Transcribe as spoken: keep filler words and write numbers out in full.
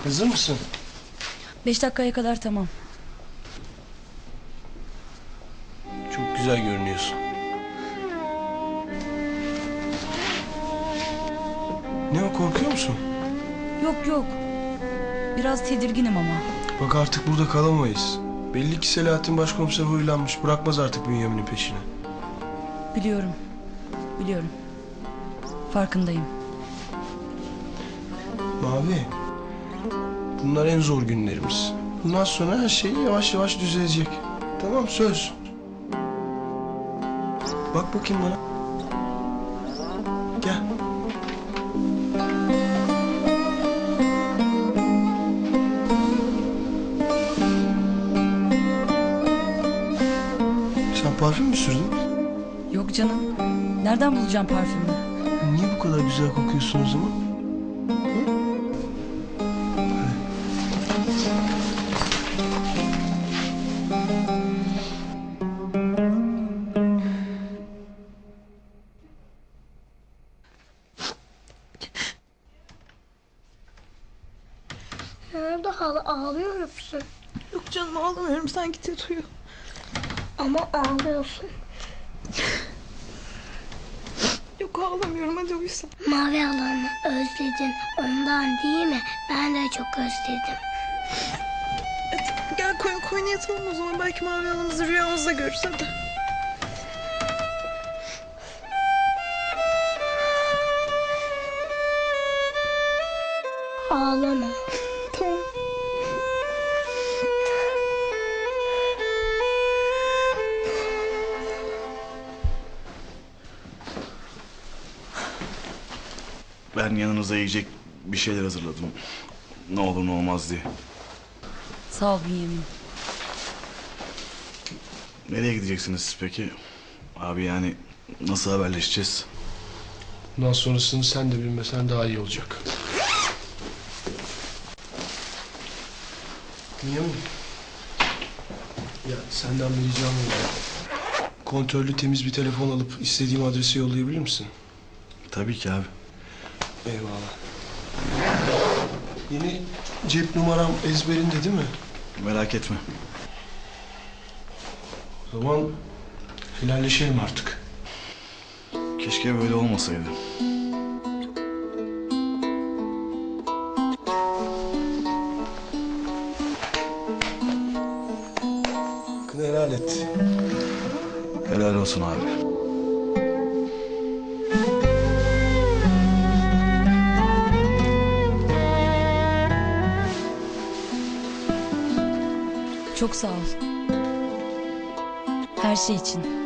Hazır mısın? Beş dakikaya kadar tamam. Çok güzel görünüyorsun. Ne o, korkuyor musun? Yok yok. Biraz tedirginim ama. Bak artık burada kalamayız. Belli ki Selahattin başkomiser huylanmış. Bırakmaz artık Bünyamin'in peşine. Biliyorum. Biliyorum. Farkındayım. Mavi. Bunlar en zor günlerimiz. Bundan sonra her şey yavaş yavaş düzelecek. Tamam, söz. Bak bakayım bana. Gel. Sen parfüm mü sürdün? Yok canım. Nereden bulacağım parfümü? Niye bu kadar güzel kokuyorsun o zaman? Hı? Nerede hala, ağlıyor musun? Yok canım, ağlamıyorum, sen git yat uyu. Ama ağlıyorsun. Yok, ağlamıyorum, hadi uyu sen. Mavi halamı özledin ondan değil mi? Ben de çok özledim. Hadi gel koyun koyun yatalım o zaman, belki Mavi Hanım'ızı rüyamızda görürüz, hadi. Ağlama. Tamam. Ben yanınıza yiyecek bir şeyler hazırladım. Ne olur ne olmaz diye. Sağ ol Bünyamin. Nereye gideceksiniz siz peki? Abi yani nasıl haberleşeceğiz? Bundan sonrasını sen de bilmesen daha iyi olacak. Bünyamin. Ya senden bir ricam var. Kontörlü temiz bir telefon alıp istediğim adrese yollayabilir misin? Tabii ki abi. Eyvallah. Yeni cep numaram ezberinde değil mi? Merak etme. O zaman helalleşelim artık. Keşke böyle olmasaydı. Hakkını helal et. Helal olsun abi. Çok sağ ol. Her şey için.